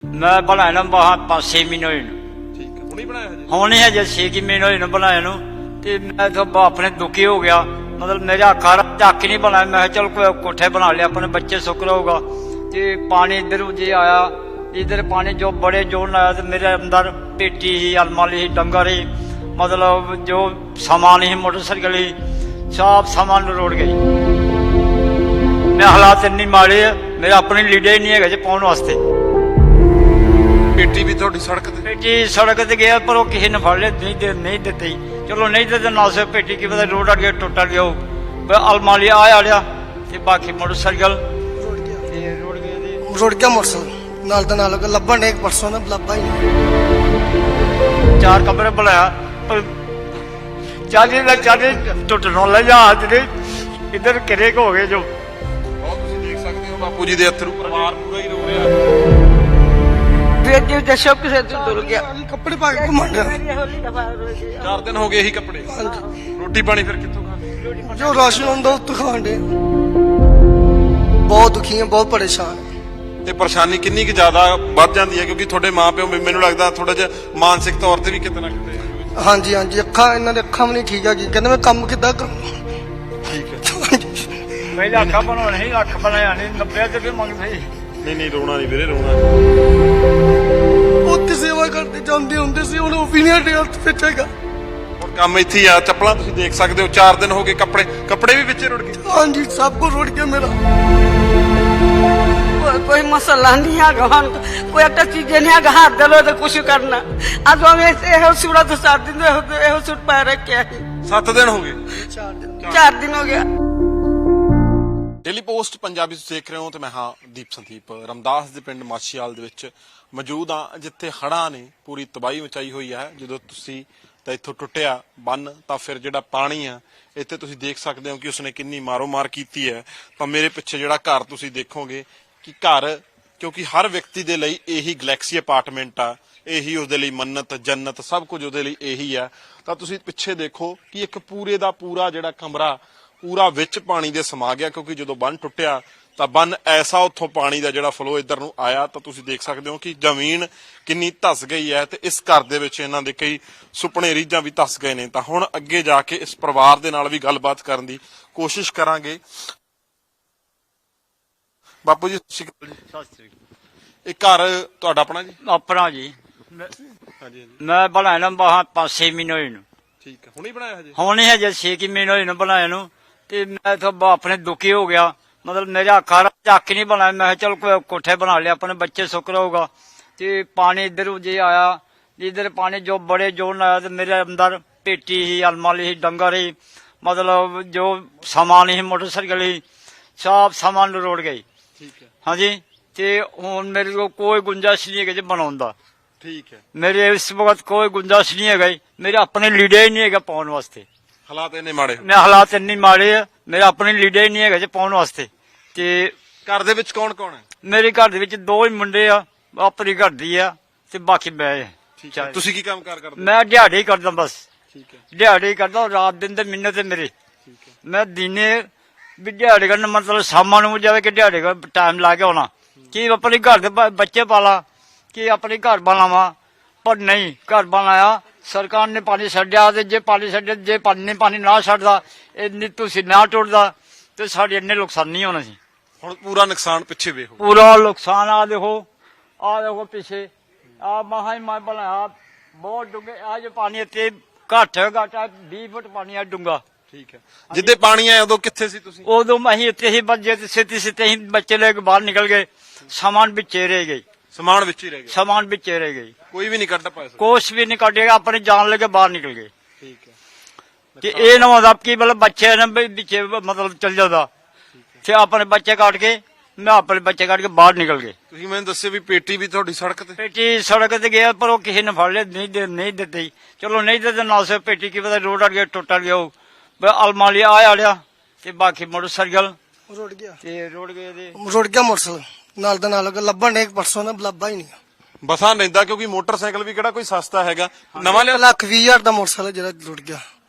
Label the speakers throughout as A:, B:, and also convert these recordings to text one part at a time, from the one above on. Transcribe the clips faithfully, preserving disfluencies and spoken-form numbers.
A: मैं बनाया वहां पांच छह महीने हुए
B: ठीक है हुणे बनाया हजे
A: होने है जे छे की महीने हुए बनाया नु ते मैं तो अपने दुखी हो गया मतलब मेरा घर झक नहीं बनाया मैं चल कोई कोठे बना लिया अपने बच्चे सुख रहोगा ते पानी इधर जी आया इधर पानी जो बड़े जोर आया तो मेरे अंदर पेटी ही अलमारी ही डंगर ही मतलब जो सामान ही मोटरसाइकिल ही सब सामान रोड़ गई मैं हालात इन्नी माड़े मेरा अपनी लीडर ही नहीं है पाने वास्ते
B: पेटी भी थोड़ी सड़क ते
A: पेटी सड़क ते गया पर वो किसी ने फड़ लिया नहीं दे नहीं देते चलो नहीं देते ना से पेटी की पता रोड अड़ गया टुट गया अलमारी आया लिया ते बाकी मोटरसाइकिल
C: रुड़ गया मोटरसाइकिल नाल दा नाल लब्भण एक परसों ना लब्भा ही नहीं
A: चार कमरे बनाया पर चाली ना चाली टुटनों ले जा इधर किरे हो गए जो
B: ਉਹ ਤੁਸੀਂ ਦੇਖ ਸਕਦੇ ਹੋ ਬਾਪੂ ਜੀ ਦੇ ਅਥਰੂ ਪਰਿਵਾਰ ਪੂਰਾ ਹੀ ਰੋ ਰਿਹਾ
D: बेटी दसो किसे तू डुल गया
C: कपड़े पा के घुमण
B: ਚਾਰ ਦਿਨ ਹੋ ਗਏ ਇਹੀ ਕੱਪੜੇ ਰੋਟੀ ਪਾਣੀ ਫਿਰ ਕਿੱਥੋਂ ਖਾਂਦੇ
C: जो राशन ਹੁੰਦਾ ਉਹ ਤੋਂ ਖਾਣ ਦੇ ਬਹੁਤ ਦੁਖੀ ਹਾਂ ਬਹੁਤ ਪਰੇਸ਼ਾਨ ਹਾਂ
B: ਤੇ ਪਰੇਸ਼ਾਨੀ ਕਿੰਨੀ ਕਿ ਜ਼ਿਆਦਾ ਵੱਧ ਜਾਂਦੀ ਹੈ ਕਿਉਂਕਿ ਤੁਹਾਡੇ ਮਾਪਿਓ ਮੈਨੂੰ ਲੱਗਦਾ ਥੋੜਾ ਜਿਹਾ ਮਾਨਸਿਕ ਤੌਰ ਤੇ ਵੀ ਕਿਤੇ ਨਾ ਕਿਤੇ
C: ਹਾਂਜੀ ਹਾਂਜੀ ਅੱਖਾਂ ਇਹਨਾਂ ਦੇ ਅੱਖਾਂ ਵੀ ਨਹੀਂ ਠੀਕ ਆ ਕੀ ਕਹਿੰਦੇ ਮੈਂ ਕੰਮ ਕਿੱਦਾਂ ਕਰਾਂ
B: ਠੀਕ ਹੈ
A: ਪਹਿਲਾਂ ਅੱਖਾਂ ਬਣਾਉਣ ਨਹੀਂ ਅੱਖ ਬਣਾਇਆ ਨਹੀਂ ਨੱਬੇ ਤੇ ਵੀ ਮੰਗਦੇ
B: ਨਹੀਂ ਨਹੀਂ ਰੋਣਾ ਨਹੀਂ ਵੀਰੇ ਰੋਣਾ ਨਹੀਂ
C: ਉੱਥੇ ਸੇਵਾ ਕਰਦੇ ਜਾਂਦੇ ਹੁੰਦੇ ਸੀ ਹੁਣ ਉਹ ਵੀ ਨਹੀਂ ਸਾਡੇ ਹੱਥ ਵਿੱਚ ਹੈਗਾ
B: ਹੁਣ ਕੰਮ ਇੱਥੇ ਹੀ ਆ ਚੱਪਲਾਂ ਤੁਸੀਂ ਦੇਖ ਸਕਦੇ ਹੋ ਚਾਰ ਦਿਨ ਹੋ ਗਏ ਕੱਪੜੇ ਕੱਪੜੇ ਵੀ ਵਿੱਚੇ ਰੁੜ ਗਏ
C: ਹਾਂਜੀ ਸਭ ਕੁਝ ਰੁੜ ਗਿਆ ਮੇਰਾ
D: कोई कोई मसला नहीं है गहन कोई एक चीज नहीं है हाथ दलो तो कुछ करना आज हम ऐसे हो सूरत तो सात दिन हो सूट पा रखे है
B: ਸੱਤ ਦਿਨ ਹੋ ਗਏ
C: ਚਾਰ ਦਿਨ
D: चार दिन हो गया
B: ਡੇਲੀ ਪੋਸਟ ਪੰਜਾਬੀ ਤੁਸੀਂ ਦੇਖ ਰਹੇ ਹੋ ਤੇ ਮੈਂ ਹਾਂ ਦੀਪ ਸੰਦੀਪ ਰਮਦਾਸ ਦੇ ਪਿੰਡ ਮਾਛੀਵਾਲ ਦੇ ਵਿੱਚ ਮੌਜੂਦ ਹਾਂ ਜਿੱਥੇ ਹੜ੍ਹਾਂ ਨੇ ਪੂਰੀ ਤਬਾਹੀ ਮਚਾਈ ਹੋਈ ਹੈ ਜਦੋਂ ਤੁਸੀਂ ਤਾਂ ਇੱਥੋਂ ਟੁੱਟਿਆ ਬੰਨ ਤਾਂ ਫਿਰ ਜਿਹੜਾ ਪਾਣੀ ਆ ਇੱਥੇ ਤੁਸੀਂ ਦੇਖ ਸਕਦੇ ਹੋ ਕਿ ਉਸਨੇ ਕਿੰਨੀ ਮਾਰੋ ਮਾਰ ਕੀਤੀ ਹੈ ਤਾਂ ਮੇਰੇ ਪਿੱਛੇ ਜਿਹੜਾ ਘਰ ਤੁਸੀਂ ਦੇਖੋਗੇ ਕਿ ਘਰ ਕਿਉਂਕਿ ਹਰ ਵਿਅਕਤੀ ਦੇ ਲਈ ਇਹੀ ਗੈਲੈਕਸੀ ਅਪਾਰਟਮੈਂਟ ਆ ਇਹੀ ਉਸਦੇ ਲਈ ਮੰਨਤ ਜੰਨਤ ਸਭ ਕੁਝ ਉਹਦੇ ਲਈ ਇਹੀ ਆ ਤਾਂ ਤੁਸੀਂ ਪਿੱਛੇ ਦੇਖੋ ਕਿ ਇੱਕ ਪੂਰੇ ਦਾ ਪੂਰਾ ਜਿਹੜਾ ਕਮਰਾ ਪੂਰਾ ਵਿੱਚ ਪਾਣੀ ਦੇ ਸਮਾ ਗਿਆ ਕਿਉਂਕਿ ਜਦੋਂ ਬੰਨ ਟੁੱਟਿਆ ਤਾਂ ਬੰਨ ਐਸਾ ਉੱਥੋਂ ਪਾਣੀ ਦਾ ਜਿਹੜਾ ਫਲੋ ਇੱਧਰ ਨੂੰ ਆਇਆ ਤਾਂ ਤੁਸੀਂ ਦੇਖ ਸਕਦੇ ਹੋ ਕਿ ਜ਼ਮੀਨ ਕਿੰਨੀ ਧਸ ਗਈ ਹੈ ਤੇ ਇਸ ਘਰ ਦੇ ਵਿੱਚ ਇਹਨਾਂ ਦੇ ਕਈ ਸੁਪਨੇ ਰੀਝਾਂ ਵੀ ਧਸ ਗਏ ਨੇ ਤਾਂ ਹੁਣ ਅੱਗੇ ਜਾ ਕੇ ਇਸ ਪਰਿਵਾਰ ਦੇ ਨਾਲ ਵੀ ਗੱਲਬਾਤ ਕਰਨ ਦੀ ਕੋਸ਼ਿਸ਼ ਕਰਾਂਗੇ ਬਾਪੂ ਜੀ ਸਤਿ ਸ਼੍ਰੀ ਅਕਾਲ ਜੀ
A: ਸਤਿ ਸ੍ਰੀ ਅਕਾਲ
B: ਇਹ ਘਰ ਤੁਹਾਡਾ ਆਪਣਾ ਜੀ
A: ਆਪਣਾ ਜੀ
B: ਹਾਂਜੀ ਹਾਂਜੀ
A: ਮੈਂ ਬਣਾਇਆ ਵਹਾਂ ਪਾंच छह महीने हुए
B: ਠੀਕ ਹੈ ਹੁਣੇ ਬਣਾਇਆ ਹਜੇ
A: होने है जे छे की महीने हुए बनाया नु ते मैं तो अपने दुखी हो गया मतलब मेरा घर झक नहीं बनाया मैं चल कोई कोठे बना लिया अपने बच्चे सुख रहोगा ते पानी इधर जी आया इधर पानी जो बड़े जोर आया तो मेरे अंदर पेटी ही अलमारी ही डंगर ही मतलब जो सामान ही मोटरसाइकिल ही सब सामान रोड़ गई
B: ਠੀਕ ਹੈ
A: हाँ जी ते हुण मेरे को कोई गुंजाइश नहीं है बनाने दा
B: ਠੀਕ ਹੈ
A: मेरे इस वक्त कोई गुंजाइश नहीं है मेरे अपने लीडर ही नहीं है पाने वास्ते
B: ਹਾਲਾਤ ਇੰਨੇ ਮਾੜੇ
A: मैं हालात इन्नी माड़े है मेरा अपनी लीडर ही नहीं है पाने वास्ते ते
B: ਘਰ ਦੇ ਵਿੱਚ ਕੌਣ ਕੌਣ ਹੈ
A: मेरे घर दे विच दो ही मुंडे आ अपनी घर दी आ ते बाकी मैं
B: ਠੀਕ ਹੈ ਤੁਸੀਂ ਕੀ ਕੰਮ ਕਾਰ ਕਰਦੇ
A: मैं दिहाड़ी करदा बस
B: ਠੀਕ ਹੈ
A: दिहाड़ी करदा रात दिन ते मिन्नत है मेरे
B: ਠੀਕ ਹੈ
A: मैं दिने भी दिहाड़ी करना मतलब शामां नूं जावे कि दिहाड़ी का टाइम ला के आना कि अपने घर दे ब- बच्चे पाला कि अपने घर बनावा पर नहीं घर बनाया सरकार ने पानी छड्डिया ते जे पानी छड्डिया जे पानी पानी ना छड्डदा इन्नी तुसी ना टुटदा ते साढ़े इन्ने नुकसान नहीं होना सी
B: ਹੁਣ ਪੂਰਾ ਨੁਕਸਾਨ ਪਿੱਛੇ ਵੇਖੋ
A: पूरा नुकसान आ देखो आ देखो पीछे आ महा ही मैं बनाया बहुत डूंगे आ जो पानी इतने घट है घट है बीस फुट पानी है डूंगा
B: ਠੀਕ ਹੈ ਜਿੱਦੇ ਪਾਣੀ ਆਇਆ ਉਦੋਂ ਕਿੱਥੇ ਸੀ ਤੁਸੀਂ
A: उदो अं इतने ही बजे सीधी सीधे ही बच्चे लेके बाहर निकल गए सामान बिचे रह गई
B: ਸਮਾਨ ਵਿੱਚ ਹੀ ਰਹਿ ਗਿਆ
A: सामान बिचे रह गई
B: ਕੋਈ ਵੀ ਨਹੀਂ ਕੱਢ ਪਾਇਆ ਸੀ।
A: कोश भी नहीं कटेगा अपनी जान लेके बाहर निकल गए
B: ਠੀਕ ਹੈ
A: कि ये ना मतलब कि मतलब बच्चे ने भी बिचे मतलब चल जाता फिर अपने बच्चे काट के मैं अपने बच्चे काट के बाहर निकल गए
B: ਤੁਸੀਂ ਮੈਨੂੰ ਦੱਸਿਓ ਵੀ ਪੇਟੀ ਵੀ ਤੁਹਾਡੀ सड़क ਤੇ
A: पेटी सड़क ते गया पर वो किसी ने फड़ लिया नहीं दे नहीं देते चलो नहीं देते ना से पेटी की पता रोड अड़ गया टुट गया अलमारी आया लिया ते बाकी मोटरसाइकिल
C: ਰੁੜ ਗਿਆ
A: ते रोड गए ते
C: ਰੁੜ ਗਿਆ ਮੋਟਰਸਾਈਕਲ ਨਾਲ ਦਾ ਨਾਲ ਲੱਭਣ ਇੱਕ ਪਰਸੋਂ ਨਾ ਲੱਭਾ ਹੀ ਨਹੀਂ
B: ਬਸਾਂ ਲੈਂਦਾ ਕਿਉਂਕਿ ਮੋਟਰਸਾਈਕਲ ਵੀ ਕਿਹੜਾ ਕੋਈ ਸਸਤਾ ਹੈਗਾ ਨਵਾਂ ਲਿਆ
C: ਲੱਖ ਵੀਹ ਹਜ਼ਾਰ ਦਾ ਮੋਟਰਸਾਈਕਲ ਜਿਹੜਾ ਰੁੜ ਗਿਆ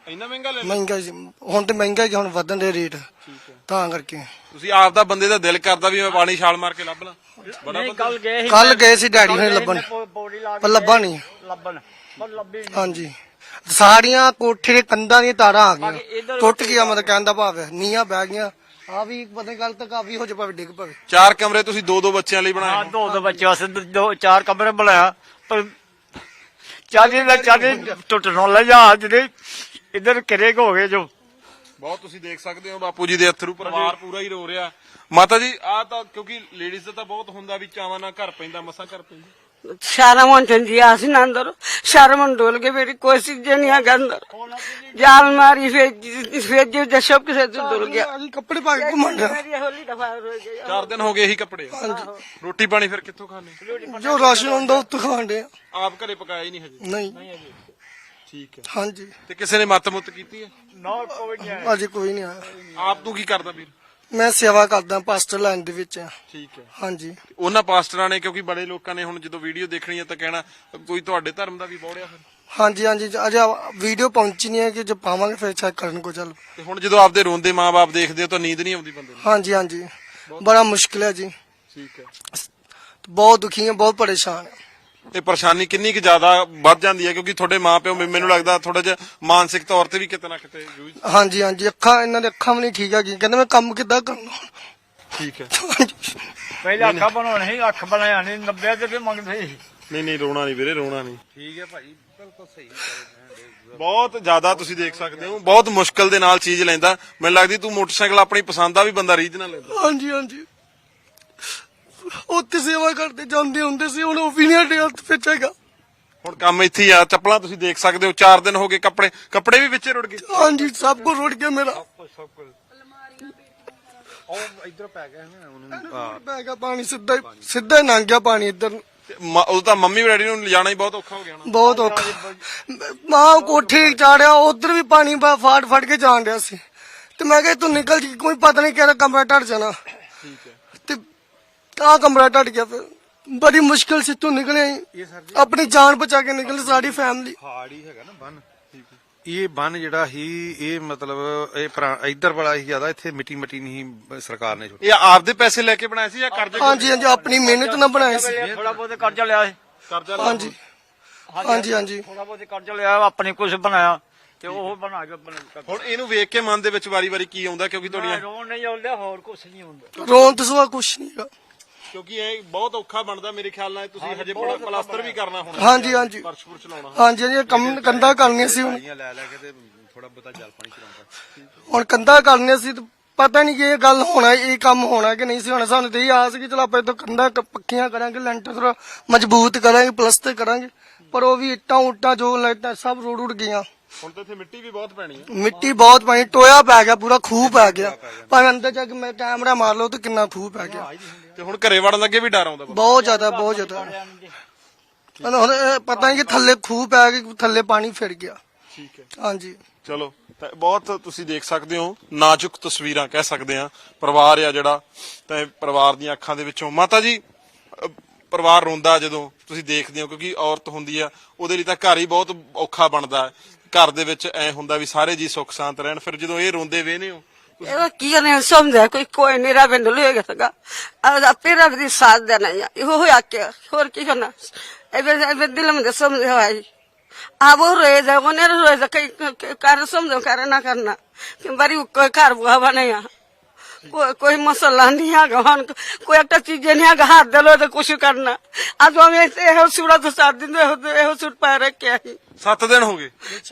B: ਇੰਨਾ ਮਹਿੰਗਾ ਲੈ ਲਿਆ
C: ਮਹਿੰਗਾ ਜੀ ਹੁਣ ਤੇ ਮਹਿੰਗਾ ਹੀ ਹੁਣ ਵਧਣ ਦੇ ਰੇਟ ਤਾਂ ਕਰਕੇ
B: ਤੁਸੀਂ ਆਪ ਦਾ ਬੰਦੇ ਦਾ ਦਿਲ ਕਰਦਾ ਵੀ ਮੈਂ ਪਾਣੀ ਛਾਲ ਮਾਰ ਕੇ ਲੱਭ ਲਾਂ ਬੜਾ
A: ਨਹੀਂ ਕੱਲ ਗਏ ਸੀ
C: ਕੱਲ ਗਏ ਸੀ ਡੈਡੀ ਨੇ ਲੱਭਣ
A: ਪੌੜੀ ਲਾ
C: ਪਰ ਲੱਭਾ ਨਹੀਂ
A: ਲੱਭਣ ਪਰ ਲੱਭੀ ਨਹੀਂ।
C: ਹਾਂਜੀ ਸਾਰੀਆਂ ਕੋਠੇ ਦੇ ਕੰਧਾਂ ਦੀਆਂ ਤਾਰਾਂ ਆ
A: ਬਾਕੀ
C: ਗਈਆਂ
A: ਇੱਧਰ-
C: ਟੁੱਟ ਗਿਆ ਮਤਲਬ ਕਹਿਣ ਦਾ ਭਾਵ ਹੈ ਨੀਆਂ ਬਹਿ ਗਈਆਂ ਆ ਵੀ ਪਤਾ ਨਹੀਂ ਕੱਲ ਤੱਕ ਆ ਵੀ ਹੋ ਜਾ ਭਾਵੇਂ ਡਿੱਗ ਪਵੇ
B: ਚਾਰ ਕਮਰੇ ਤੁਸੀਂ ਦੋ ਦੋ ਬੱਚਿਆਂ ਲਈ
A: ਹਾਂ
B: ਬਣਾਏ
A: ਦੋ ਦੋ ਬੱਚੇ ਵਾਸਤੇ ਦੋ- ਦੋ ਚਾਰ ਕਮਰੇ ਬਣਾਇਆ ਪਰ ਚਾਲੀ ਦਾ ਚਾਲੀ ਟੁੱਟਣ ਲੱਗਾ ਜਿਹੜੇ ਇੱਧਰ ਕਿਰੇ ਹੋ ਗਏ ਜੋ
B: ਬਹੁਤ ਤੁਸੀਂ ਦੇਖ ਸਕਦੇ ਹੋ ਬਾਪੂ ਜੀ ਦੇ ਅਥਰੂ ਪਰਿਵਾਰ ਪੂਰਾ ਹੀ ਰੋ ਰਿਹਾ ਮਾਤਾ ਜੀ ਆ ਤਾਂ ਕਿਉਂਕਿ ਲੇਡੀਜ਼ ਦਾ ਤਾਂ ਬਹੁਤ ਹੁੰਦਾ ਵੀ ਚਾਵਾਂ ਨਾਲ ਘਰ ਪੈਂਦਾ ਮਸਾਂ ਘਰ ਪੈਂਦਾ
D: सारा मन चंदिया सी ना अंदर सारा मन डोल के मेरी कोई चीज नहीं आ अंदर जाल मारी फिर फिर जो सब के साथ डोल गया
C: ਅਸੀਂ ਕੱਪੜੇ ਪਾ ਕੇ ਘੁੰਮਣ ਡਿਆ
D: मेरी होली दफा हो गई
B: ਚਾਰ ਦਿਨ ਹੋ ਗਏ ਇਹੀ ਕੱਪੜੇ ਰੋਟੀ ਪਾਣੀ ਫਿਰ ਕਿੱਥੋਂ ਖਾਣੇ
C: ਜੋ ਰਾਸ਼ਨ ਹੁੰਦਾ ਉੱਤੋਂ ਖਾਣ ਡਿਆ
B: ਆਪ ਘਰੇ ਪਕਾਇਆ ਹੀ ਨਹੀਂ ਹਜੇ
C: ਨਹੀਂ
B: ਠੀਕ ਹੈ
C: ਹਾਂਜੀ
B: ਤੇ ਕਿਸੇ ਨੇ ਮੱਤ ਮੁੱਤ ਕੀਤੀ ਹੈ
A: ਨਾ ਕੋਈ ਨਹੀਂ
C: ਅਜੇ ਕੋਈ ਨਹੀਂ ਆਇਆ
B: ਆਪ ਤੂੰ ਕੀ ਕਰਦਾ ਵੀਰ
C: ਮੈਂ ਸੇਵਾ ਕਰਦਾ ਪਾਸਟਰ ਲਾਈਨ ਦੇ ਵਿੱਚ ਆ।
B: ਠੀਕ ਹੈ
C: ਹਾਂਜੀ
B: ਉਹਨਾਂ ਪਾਸਟਰਾਂ ਨੇ ਕਿਉਂਕਿ ਬੜੇ ਲੋਕਾਂ ਨੇ ਹੁਣ ਜਦੋਂ ਵੀਡੀਓ ਦੇਖਣੀ ਹੈ ਤਾਂ ਕਹਿਣਾ ਕੋਈ ਤੁਹਾਡੇ ਧਰਮ ਦਾ ਵੀ ਬੋੜਿਆ ਫਿਰ
C: ਹਾਂਜੀ ਹਾਂਜੀ ਅਜੇ ਵੀਡੀਓ ਪਹੁੰਚੀ ਨਹੀਂ ਹੈ ਕਿ ਜੇ ਪਾਵਾਂਗੇ ਫਿਰ ਚੈੱਕ ਕਰਨ ਕੋ ਚੱਲ
B: ਤੇ ਹੁਣ ਜਦੋਂ ਆਪਦੇ ਰੋਂਦੇ ਮਾਂ-ਬਾਪ ਦੇਖਦੇ ਹੋ ਤਾਂ ਨੀਂਦ ਨਹੀਂ ਆਉਂਦੀ ਬੰਦੇ ਨੂੰ
C: ਹਾਂਜੀ ਹਾਂਜੀ ਬੜਾ ਮੁਸ਼ਕਿਲ ਹੈ ਜੀ
B: ਠੀਕ ਹੈ
C: ਬਹੁਤ ਦੁਖੀ ਹਾਂ ਬਹੁਤ ਪਰੇਸ਼ਾਨ ਹਾਂ
B: ਇਹ ਪਰੇਸ਼ਾਨੀ ਕਿੰਨੀ ਕੁ ਜ਼ਿਆਦਾ ਵੱਧ ਜਾਂਦੀ ਹੈ ਕਿਉਂਕਿ ਤੁਹਾਡੇ ਮਾਪਿਓ ਮੈਨੂੰ ਲੱਗਦਾ ਥੋੜਾ ਜਿਹਾ ਮਾਨਸਿਕ ਤੌਰ ਤੇ ਵੀ ਕਿਤੇ ਨਾ ਕਿਤੇ ਜੂਝ
C: ਹਾਂਜੀ ਹਾਂਜੀ ਅੱਖਾਂ ਇਹਨਾਂ ਦੇ ਅੱਖਾਂ ਵੀ ਨਹੀਂ ਠੀਕ ਹੈਗੀ ਕਹਿੰਦੇ ਮੈਂ ਕੰਮ ਕਿੱਦਾਂ ਕਰਨਾ
B: ਠੀਕ ਹੈ
C: ਹਾਂਜੀ।
A: ਪਹਿਲਾਂ ਅੱਖਾਂ ਬਣਾਉਣੀ ਸੀ ਅੱਖ ਬਣਾਇਆ ਨਹੀਂ ਨੱਬੇ ਰੁਪਏ ਮੰਗਦੇ ਸੀ
B: ਨਹੀਂ ਨਹੀਂ ਰੋਣਾ ਨਹੀਂ ਵੀਰੇ ਰੋਣਾ ਨਹੀਂ ਠੀਕ ਹੈ ਭਾਈ ਬਿਲਕੁਲ ਸਹੀ ਬਹੁਤ ਜ਼ਿਆਦਾ ਤੁਸੀਂ ਦੇਖ ਸਕਦੇ ਹੋ ਬਹੁਤ ਮੁਸ਼ਕਲ ਦੇ ਨਾਲ ਚੀਜ਼ ਲੈਂਦਾ ਮੈਨੂੰ ਲੱਗਦੀ ਤੂੰ ਮੋਟਰਸਾਈਕਲ ਆਪਣੀ ਪਸੰਦ ਦਾ ਵੀ ਬੰਦਾ ਰੀਝ ਨਾਲ ਲੈਂਦਾ
C: ਹਾਂਜੀ ਹਾਂਜੀ ਉੱਥੇ ਸੇਵਾ ਕਰਦੇ ਜਾਂਦੇ ਹੁੰਦੇ ਸੀ ਹੁਣ ਉਹ ਵੀ ਨਹੀਂ ਸਾਡੇ ਹੱਥ ਵਿੱਚ ਹੈਗਾ
B: ਹੁਣ ਕੰਮ ਇੱਥੇ ਹੀ ਆ ਚੱਪਲਾਂ ਤੁਸੀਂ ਦੇਖ ਸਕਦੇ ਹੋ ਚਾਰ ਦਿਨ ਹੋ ਗਏ ਕੱਪੜੇ ਕੱਪੜੇ ਵੀ ਵਿੱਚੇ ਰੁੜ ਗਏ
C: ਹਾਂਜੀ ਸਭ ਕੁਝ ਰੁੜ ਗਿਆ ਮੇਰਾ
E: ਉਹ ਇਧਰ ਪੈ ਗਿਆ ਨਾ ਉਹਨੂੰ
C: ਪੈ ਗਿਆ ਪਾਣੀ ਸਿੱਧਾ ਹੀ ਸਿੱਧਾ ਹੀ ਲੰਘ ਗਿਆ ਪਾਣੀ ਇੱਧਰ ਨੂੰ।
B: ਤੇ ਮ- ਉਦੋਂ ਤਾਂ ਮੰਮੀ ਡੈਡੀ ਨੂੰ ਲਿਜਾਣਾ ਹੀ ਬਹੁਤ ਔਖਾ ਹੋ ਗਿਆ ਨਾ
C: ਬਹੁਤ ਔਖਾ ਮਾਂ ਕੋਠੇ ਚਾੜਿਆ ਉਧਰ ਵੀ ਪਾਣੀ ਬਾ ਫਾੜ ਫੜ ਕੇ ਜਾਣ ਰਿਹਾ ਸੀ ਤੇ ਮੈਂ ਕਿਹਾ ਤੂੰ ਨਿਕਲ ਜੀ ਕੋਈ ਪਤਾ ਨਹੀਂ ਕਿਹੜਾ ਕਮਰਾ ਟੱਟ ਜਾਣਾ
B: ਠੀਕ ਹੈ
C: ਤੇ ਆ ਕਮਰਾ ਟੱਟ ਗਿਆ ਫਿਰ ਬੜੀ ਮੁਸ਼ਕਿਲ ਸੀ ਤੂੰ ਨਿਕਲੇ
E: ਇਹ ਸਰ ਜੀ
C: ਆਪਣੀ ਜਾਨ ਬਚਾ ਕੇ ਨਿਕਲ ਸਾਡੀ ਫੈਮਿਲੀ
E: ਪਹਾੜ ਹੀ ਹੈਗਾ ਨਾ ਬੰਨ ਇਹ ਬੰਨ ਜਿਹੜਾ ਸੀ ਇਹ ਮਤਲਬ ਇਹ ਪੁਰਾ- ਇੱਧਰ ਵਾਲਾ ਹੀ ਜ਼ਿਆਦਾ ਇੱਥੇ ਮਿੱਟੀ ਮਿੱਟੀ ਨਹੀਂ ਸਰਕਾਰ ਨੇ ਛੋੜੀ
B: ਇਹ ਆਪਦੇ ਪੈਸੇ ਲੈ ਕੇ ਬਣਾਏ ਸੀ ਜਾਂ ਕਰਜ਼ੇ
C: ਹਾਂਜੀ ਹਾਂਜੀ ਆਪਣੀ ਮਿਹਨਤ ਨਾਲ ਬਣਾਏ ਸੀ
A: ਥੋੜਾ ਬਹੁਤ ਕਰਜ਼ਾ ਲਿਆ ਸੀ
B: ਕਰਜ਼ਾ ਲਿਆ?
C: ਹਾਂਜੀ ਹਾਂਜੀ ਹਾਂਜੀ
A: ਥੋੜਾ ਬਹੁਤ ਕਰਜ਼ਾ ਲਿਆ ਆਪਣੀ ਕੁਝ ਬਣਾਇਆ ਤੇ ਉਹ ਬਣਾ ਕੇ ਬਣਾ-
B: ਹੁਣ ਇਹਨੂੰ ਵੇਖ ਕੇ ਮਨ ਦੇ ਵਿੱਚ ਵਾਰੀ-ਵਾਰੀ ਕੀ ਆਉਂਦਾ ਕਿਉਂਕਿ ਤੁਹਾਡੀਆਂ
A: ਰੋਣ ਨਹੀਂ ਆਉਂਦਾ ਹੋਰ ਕੁਝ ਨਹੀਂ ਹੁੰਦਾ
C: ਰੋਣ ਤੋਂ ਸਿਵਾ ਕੁਛ ਨਹੀਂ ਹੈਗਾ
B: ਕਿਉਂਕਿ ਇਹ ਬਹੁਤ ਔਖਾ ਬਣਦਾ ਮੇਰੇ ਖਿਆਲ ਨਾਲ ਤੁਸੀਂ ਹਜੇ ਬੜਾ ਪਲਾਸਟਰ ਵੀ ਕਰਨਾ ਹੋਣਾ
C: ਹਾਂਜੀ ਹਾਂਜੀ
B: ਫਰਸ਼ ਫੁਰਸ਼ ਲਾਉਣਾ
C: ਹਾਂਜੀ ਹਾਂਜੀ ਇਹ ਕੰਮ ਕੰਧਾਂ ਕਰਨੀਆਂ ਸੀ ਹੁਣ
E: ਲੈ ਲੈ ਕੇ ਤੇ ਥੋੜਾ ਬਹੁਤਾ ਜਲ ਪਾਣੀ ਚਲਾਉਂਦਾ
C: ਹੁਣ ਕੰਧਾਂ ਕਰਨੀਆਂ ਸੀ ਤੇ ਪਤਾ ਨਹੀਂ ਕਿ ਇਹ ਗੱਲ ਹੋਣਾ ਇਹ ਕੰਮ ਹੋਣਾ ਕਿ ਨਹੀਂ ਸੀ ਹੋਣਾ ਸਾਨੂੰ ਤੇ ਇਹ ਆਸ ਕਿ ਚਲੋ ਆਪਾਂ ਇਹ ਤੋਂ ਕੰਧਾਂ ਕ- ਪੱਕੀਆਂ ਕਰਾਂਗੇ ਲੈਂਟਰ ਥੋੜਾ ਮਜ਼ਬੂਤ ਕਰਾਂਗੇ ਪਲਸਤਰ ਕਰਾਂਗੇ ਪਰ ਉਹ ਵੀ ਇੱਟਾਂ ਉੱਟਾਂ ਜੋ ਲਾਈਟਾਂ ਸਭ ਰੁੜ ਉੜ ਗਈਆਂ
B: ਹੁਣ ਤਾਂ ਇੱਥੇ ਮਿੱਟੀ ਵੀ ਬਹੁਤ ਪੈਣੀ ਹੈ
C: ਮਿੱਟੀ ਬਹੁਤ ਪਾਣੀ ਟੋਇਆ ਪੈ ਗਿਆ ਪੂਰਾ ਖੂਹ ਪੈ ਗਿਆ ਭਾਵੇਂ ਅੰਦਰ ਜਾ ਕੇ ਮੈਂ ਕੈਮਰਾ ਮਾਰ ਲਓ ਤੇ ਕਿੰਨਾ ਖੂਹ ਪੈ ਗਿਆ
B: ਤੇ ਹੁਣ ਘਰੇ ਵੜਨ ਲੱਗੇ ਵੀ ਡਰ ਆਉਂਦਾ ਬਹੁਤ।
C: ਬਹੁਤ ਜ਼ਿਆਦਾ ਬਹੁਤ ਜ਼ਿਆਦਾ ਹੁਣ ਹੁਣ ਇਹ ਪਤਾ ਨਹੀਂ ਕਿ ਥੱਲੇ ਖੂਹ ਪੈ ਗਈ ਥੱਲੇ ਪਾਣੀ ਫਿਰ ਗਿਆ
B: ਠੀਕ ਹੈ
C: ਹਾਂਜੀ
B: ਚਲੋ ਤਾਂ ਬਹੁਤ ਤੁਸੀਂ ਦੇਖ ਸਕਦੇ ਹੋ ਨਾਜ਼ੁਕ ਤਸਵੀਰਾਂ ਕਹਿ ਸਕਦੇ ਆ ਪਰਿਵਾਰ ਆ ਜਿਹੜਾ ਤਾਂ ਇਹ ਪਰਿਵਾਰ ਦੀਆਂ ਅੱਖਾਂ ਦੇ ਵਿੱਚੋਂ ਮਾਤਾ ਜੀ ਅਹ ਪਰਿਵਾਰ ਰੋਂਦਾ ਜਦੋਂ ਤੁਸੀਂ ਦੇਖਦੇ ਹੋ ਕਿਉਂਕਿ ਔਰਤ ਹੁੰਦੀ ਆ ਉਹਦੇ ਲਈ ਤਾਂ ਘਰ ਹੀ ਬਹੁਤ ਔਖਾ ਬਣਦਾ ਹੈ ਘਰ ਦੇ ਵਿੱਚ ਐ ਹੁੰਦਾ ਵੀ ਸਾਰੇ ਜੀ ਸੁੱਖ ਸ਼ਾਂਤ ਰਹਿਣ ਫਿਰ ਜਦੋਂ ਇਹ ਰੋਂਦੇ ਵੇਹਨੇ ਹੋ
D: ਇਹਦਾ ਕੀ ਨੇ ਸਮਝਿਆ ਕੋਈ ਕੋਈ ਨਹੀਂ ਰੱਬ ਨੂੰ ਲਏਗਾ ਸਗਾ ਆਪੇ ਰੱਬ ਦੀ ਸਾਥ ਦੇਣਾ ਹੈ ਇਹੋ ਹੋਇਆ ਕਿ ਹੋਰ ਕੀ ਕਰਨਾ ਇਹ ਇਹ ਦਿਲ में ਸਮਝਿਆ ਹੋਇਆ अब वो रोए जा वो नहीं रोए जा कई कार्य समझो कार्य ना करना कि बारी कोई घर बुआ बने कोई कोई मसला नहीं है गहन कोई एक चीज नहीं है हाथ दलो तो कुछ करना आज हम ऐसे हो सूड़ा तो सात दिन हो सूट पा रखे हैं
B: ਸੱਤ ਦਿਨ ਹੋ ਗਏ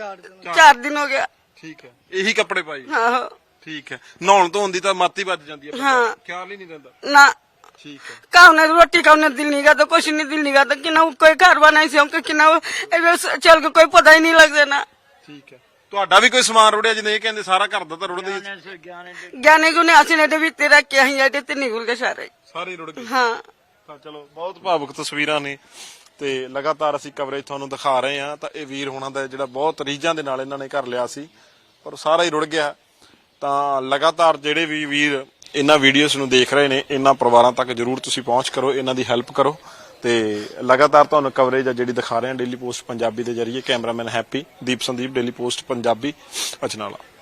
D: चार दिन हो गया
B: ਠੀਕ ਹੈ ਇਹੀ ਕੱਪੜੇ ਪਾਈ
D: हाँ
B: ਠੀਕ ਹੈ ਨਹਾਉਣ ਧੋਣ ਦੀ ਤਾਂ ਮੱਤ ਹੀ ਵੱਜ ਜਾਂਦੀ ਹੈ
D: ਹਾਂ।
B: ਖਿਆਲ ਹੀ ਨਹੀਂ ਰਹਿੰਦਾ
D: ना
B: ਠੀਕ ਹੈ
D: खाने रोटी खाने दिल नहीं करता कुछ नहीं दिल नहीं करता कि ना कोई घर बनाई से हमको कि ना चल के कोई पता ही नहीं लग देना
B: ਠੀਕ ਹੈ ਤੁਹਾਡਾ ਵੀ ਕੋਈ ਸਮਾਨ ਰੁੜਿਆ ਜਿਵੇਂ ਇਹ ਕਹਿੰਦੇ ਸਾਰਾ ਘਰ ਦਾ ਤਾਂ ਰੁੜਦਾ ਹੀ
D: ज्ञानी गुने आसने दे भी तेरा क्या ही आते ते निकल के सारे
B: ਸਾਰੇ ਰੁੜ ਗਏ
D: हाँ
B: ਤਾਂ ਚਲੋ ਬਹੁਤ ਭਾਵੁਕ ਤਸਵੀਰਾਂ ਨੇ ਤੇ ਲਗਾਤਾਰ ਅਸੀਂ ਕਵਰੇਜ ਤੁਹਾਨੂੰ ਦਿਖਾ ਰਹੇ ਹਾਂ ਤਾਂ ਇਹ ਵੀਰ ਹੋਣਾ ਦਾ ਜਿਹੜਾ ਬਹੁਤ ਰੀਝਾਂ ਦੇ ਨਾਲ ਇਹਨਾਂ ਨੇ ਘਰ ਲਿਆ ਸੀ ਪਰ ਸਾਰਾ ਹੀ ਰੁੜ ਗਿਆ ਤਾਂ ਲਗਾਤਾਰ ਜਿਹੜੇ ਵੀ ਵੀਰ ਇਹਨਾਂ ਵੀਡੀਓਜ਼ ਨੂੰ ਦੇਖ ਰਹੇ ਨੇ ਇਹਨਾਂ ਪਰਿਵਾਰਾਂ ਤੱਕ ਜਰੂਰ ਤੁਸੀਂ ਪਹੁੰਚ ਕਰੋ ਇਹਨਾਂ ਦੀ ਹੈਲਪ ਕਰੋ ਤੇ ਲਗਾਤਾਰ ਤੁਹਾਨੂੰ ਕਵਰੇਜ ਆ ਜਿਹੜੀ ਦਿਖਾ ਰਹੇ ਹਾਂ ਡੇਲੀ ਪੋਸਟ ਪੰਜਾਬੀ ਦੇ ਜਰੀਏ। Cameraman Happy, Deep Sandeep, daily post Punjabi, Ajnala.